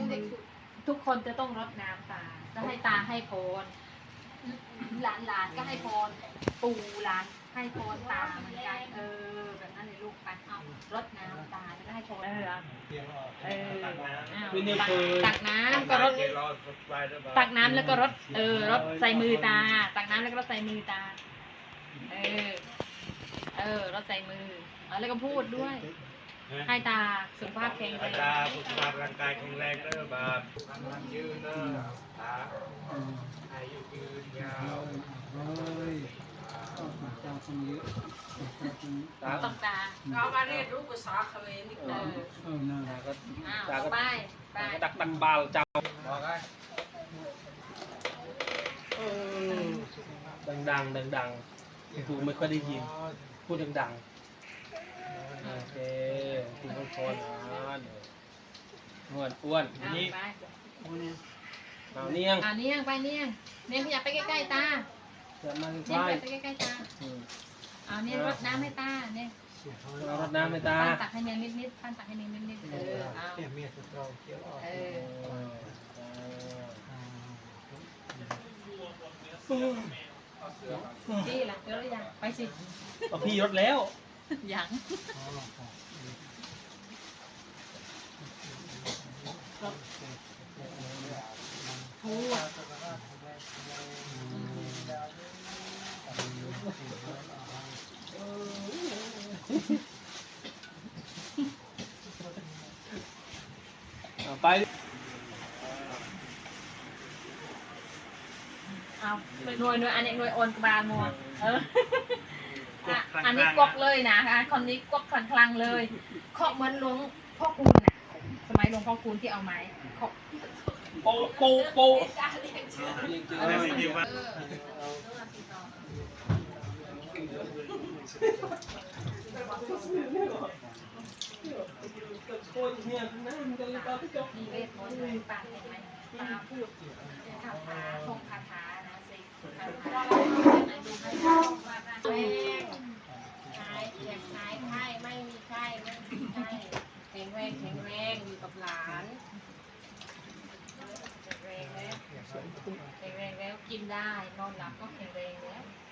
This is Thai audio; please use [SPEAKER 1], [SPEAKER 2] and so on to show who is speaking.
[SPEAKER 1] ทุกคนจะต้องรดน้ำตาจะให้ตาให้พรหลานก็ให้พรปู่หลานให้พรตาเหมือนกันแบบนั้นเลยลูกไปเอารดน้ำตาแล้วก็ให้พรตักน้ำก็รดตักน้ำแล้วก็รดรดใส่มือตาตักน้ำแล้วก็รดใส่มือตารดใส่มือแล้วก็พูดด้วยให้ตาสุขภาพแข็งแรง
[SPEAKER 2] ตาสุขภาพร่างกายแข็งแรงเด้อบาปยืนเด้อตาอายุยืนยาว
[SPEAKER 1] ต้องตา
[SPEAKER 3] เรามาเรียนรู้ภาษาเขมรนี่
[SPEAKER 1] ตาก็ไป
[SPEAKER 2] ตักตักบาลเจ้าบอกไงดังๆกูไม่ค่อยได้ยินพูดดังๆโอเคคุณต้องทนอ้วนนี่เอาเนียง
[SPEAKER 1] ไปเนียงขยับไปใกล้ๆตาเนียงไปใกล้ๆตาเอาเนียงรดน้ำให้ตาเนี่ย
[SPEAKER 2] รดน้ำให้ตา
[SPEAKER 1] ปั้นตักให้เนียงนิดปั้นตักให้เนียงนิดเอาพี่ล่ะเดี๋ยวยังไปสิ
[SPEAKER 2] พี่รถแล้ว
[SPEAKER 1] ยัง
[SPEAKER 2] ไป
[SPEAKER 1] เอาหน่วยอันนี้หน่วยโอนกบาลมัวอันนี้กวกเลยนะคะคนนี้กวกคลังเลยเคาะเหมือนหลวงพ่อคูณน่ะสมัยหลวงพ่อคูณที่เอาไม้เคาะ
[SPEAKER 2] โป
[SPEAKER 1] มีเวทมนต์อะไรปากเห็นไหมตาพูดคาถาท่องคาถานะสิคาถาดูให้ท่องว่าแรงหายเจ็บหายไข้ไม่มีไข้ไม่มีไข้แข็งแรงอยู่กับหลานแข็งแรงแล้วกินได้นอนหลับก็แข็งแรงแล้ว